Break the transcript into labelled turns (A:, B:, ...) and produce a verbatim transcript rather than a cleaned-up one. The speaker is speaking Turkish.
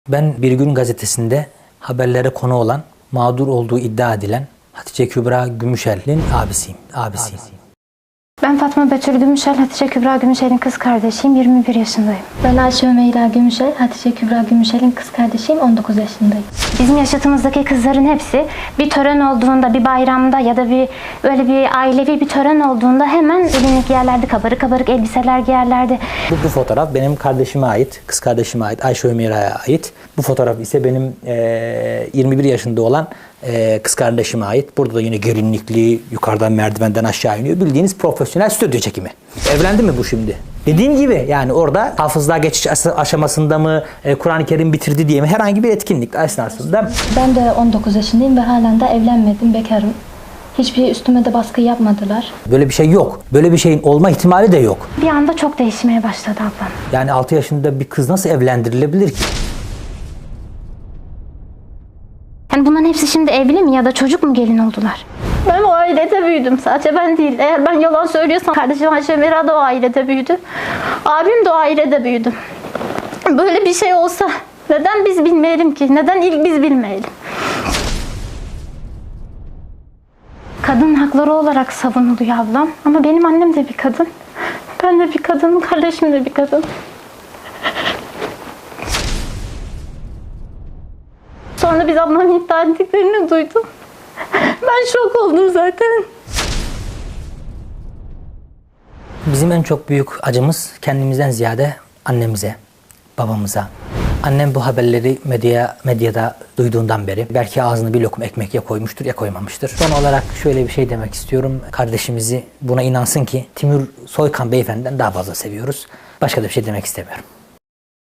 A: Ben Bir Gün gazetesinde haberlere konu olan, mağdur olduğu iddia edilen Hatice Kübra Gümüşel'in abisiyim. abisiyim.
B: Ben Fatma Betül Gümüşel, Hatice Kübra Gümüşel'in kız kardeşiyim, yirmi bir yaşındayım.
C: Ben Ayşe Ömeyra Gümüşel, Hatice Kübra Gümüşel'in kız kardeşiyim, on dokuz yaşındayım.
B: Bizim yaşıtımızdaki kızların hepsi bir tören olduğunda, bir bayramda ya da bir böyle bir ailevi bir tören olduğunda hemen elini giyerlerdi, kabarık kabarık elbiseler giyerlerdi.
A: Bu, bu fotoğraf benim kardeşime ait, kız kardeşime ait, Ayşe Ömeyra'ya ait. Bu fotoğraf ise benim e, yirmi bir yaşında olan e, kız kardeşime ait. Burada da yine gelinlikli, yukarıdan merdivenden aşağı iniyor. Bildiğiniz profesyonel stüdyo çekimi. Evlendi mi bu şimdi? Dediğim gibi yani orada hafızlığa geçiş aşamasında mı, e, Kur'an-ı Kerim bitirdi diye mi, herhangi bir etkinlik esnasında.
C: Ben de on dokuz yaşındayım ve halen de evlenmedim, bekarım. Hiçbir üstüme de baskı yapmadılar.
A: Böyle bir şey yok. Böyle bir şeyin olma ihtimali de yok.
B: Bir anda çok değişmeye başladı ablam.
A: Yani altı yaşında bir kız nasıl evlendirilebilir ki?
B: Yani bunların hepsi şimdi evli mi ya da çocuk mu gelin oldular?
D: Ben o ailede büyüdüm. Sadece ben değil. Eğer ben yalan söylüyorsam kardeşim Ayşe Ömeyra da o ailede büyüdü. Abim de o ailede büyüdü. Böyle bir şey olsa neden biz bilmeyelim ki? Neden ilk biz bilmeyelim?
B: Kadın hakları olarak savunuluyor ablam. Ama benim annem de bir kadın. Ben de bir kadınım, kardeşim de bir kadın. Sonra biz ablamın iddia ettiklerini duydum. Ben şok oldum zaten.
A: Bizim en çok büyük acımız kendimizden ziyade annemize, babamıza. Annem bu haberleri medya, medyada duyduğundan beri belki ağzına bir lokum ekmek ya koymuştur ya koymamıştır. Son olarak şöyle bir şey demek istiyorum. Kardeşimizi buna inansın ki Timur Soykan beyefendiden daha fazla seviyoruz. Başka da bir şey demek istemiyorum.